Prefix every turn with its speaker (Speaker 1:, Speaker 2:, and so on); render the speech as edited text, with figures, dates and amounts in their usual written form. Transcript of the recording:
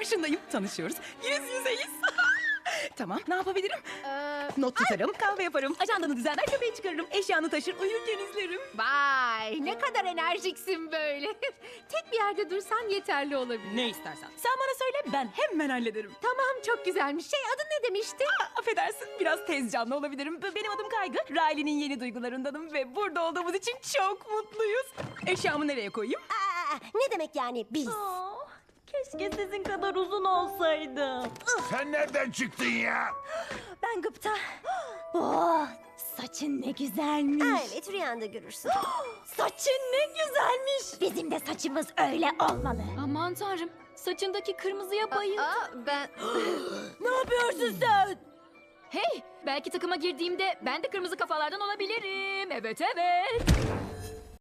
Speaker 1: karşındayım. Tanışıyoruz. Yüz yüzeyiz. Tamam, ne yapabilirim? Not tutarım, kahve yaparım, ajandanı düzenler, köpeği çıkarırım, eşyanı taşır, uyurken izlerim.
Speaker 2: Vay, ne kadar enerjiksin böyle. Tek bir yerde dursan yeterli olabilir.
Speaker 1: Ne istersen. Sen bana söyle, ben hemen hallederim.
Speaker 2: Tamam, çok güzelmiş. Adın ne demiştin?
Speaker 1: Affedersin, biraz tez canlı olabilirim. Benim adım Kaygı, Riley'nin yeni duygularındanım ve burada olduğumuz için çok mutluyuz. Eşyamı nereye koyayım?
Speaker 3: Ne demek yani biz?
Speaker 4: Keşke sizin kadar uzun olsaydım.
Speaker 5: Sen nereden çıktın ya?
Speaker 4: Ben gıpta. Oh, saçın ne güzelmiş.
Speaker 3: Evet rüyanda görürsün.
Speaker 4: Saçın ne güzelmiş. Bizim de saçımız öyle olmalı.
Speaker 6: Aman tanrım, saçındaki kırmızıya bayıldım.
Speaker 2: Ben...
Speaker 4: Ne yapıyorsun sen?
Speaker 6: Hey, belki takıma girdiğimde ben de kırmızı kafalardan olabilirim. Evet, evet.